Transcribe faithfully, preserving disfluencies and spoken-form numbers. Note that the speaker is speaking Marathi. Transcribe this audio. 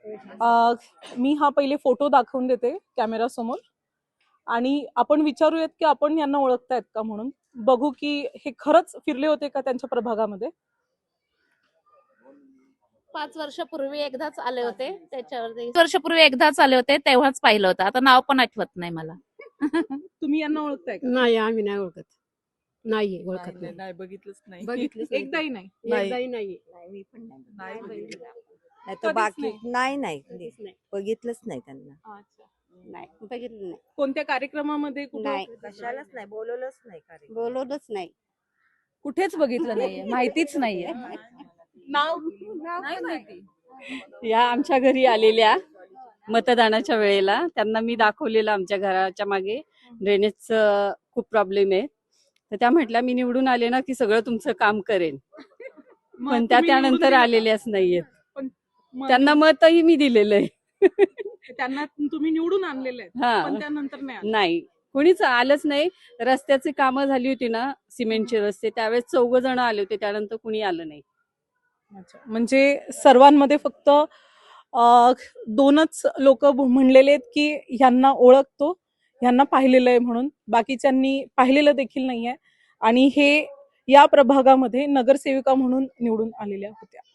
अ, मी हा पहिले फोटो दाखवून देते कॅमेरा समोर आणि आपण विचारूयात की आपण यांना ओळखतायत का म्हणून बघू की हे खरंच फिरले होते का त्यांच्या प्रभागामध्ये. पाच वर्षापूर्वी एकदाच आले होते त्याच्यावरती पाच वर्षापूर्वी एकदाच आले होते तेव्हाच पाहिलं होतं. आता नाव पण आठवत नाही मला. तुम्ही यांना ओळखताय का? नाही आम्ही नाही ओळखत. नाही ओळखत नाही, नाही. नाही बघितलंच नाही. बघितलंच नाही. एकदाही नाही. एकदाही नाही. मी पण नाही नाही बघितलं. नाही तर कधीच बाकी नाही? नाही नाही कधीच नाही. बघितलंच नाही त्यांना. अच्छा. नाही बघितलं नाही. कोणत्या कार्यक्रमामध्ये कुठं? नाही. कशालाच नाही बोलवलंच नाही कार्यक्रम. बोलवलंच नाही. कुठेच बघितलं नाहीये, माहितीच नाहीये. नाव नाही माहिती. या आमच्या घरी आलेल्या मतदानाच्या वेळेला त्यांना मी दाखवलेलं आमच्या घराच्या मागे ड्रेनेजचं खूप प्रॉब्लेम आहे. तर त्या म्हटल्या मी निवडून आले ना की सगळं तुमचं काम करेन. मग पण त्या तुम्ही निवडून त्यानंतर दिलं का? आलेल्याच नाहीयेत. पण मग त्यांना मतही मी दिलेलं आहे. त्यांना तुम्ही निवडून आणलेले आहेत हा. पण त्यानंतर नाही आले. नाही कोणीच आलंच नाही. रस्त्याची कामं झाली होती ना सिमेंटचे रस्ते त्यावेळेस चौघ जण आले होते त्यानंतर कुणी आलं नाही. अच्छा. म्हणजे सर्वांमध्ये फक्त अ, दोनच लोक म्हणलेले आहेत की ह्यांना ओळखतो, ह्यांना पाहिलेलं आहे म्हणून. बाकीच्यांनी पाहिलेलं देखील नाहीये आणि हे या प्रभागामध्ये नगरसेविका म्हणून निवडून आलेल्या होत्या.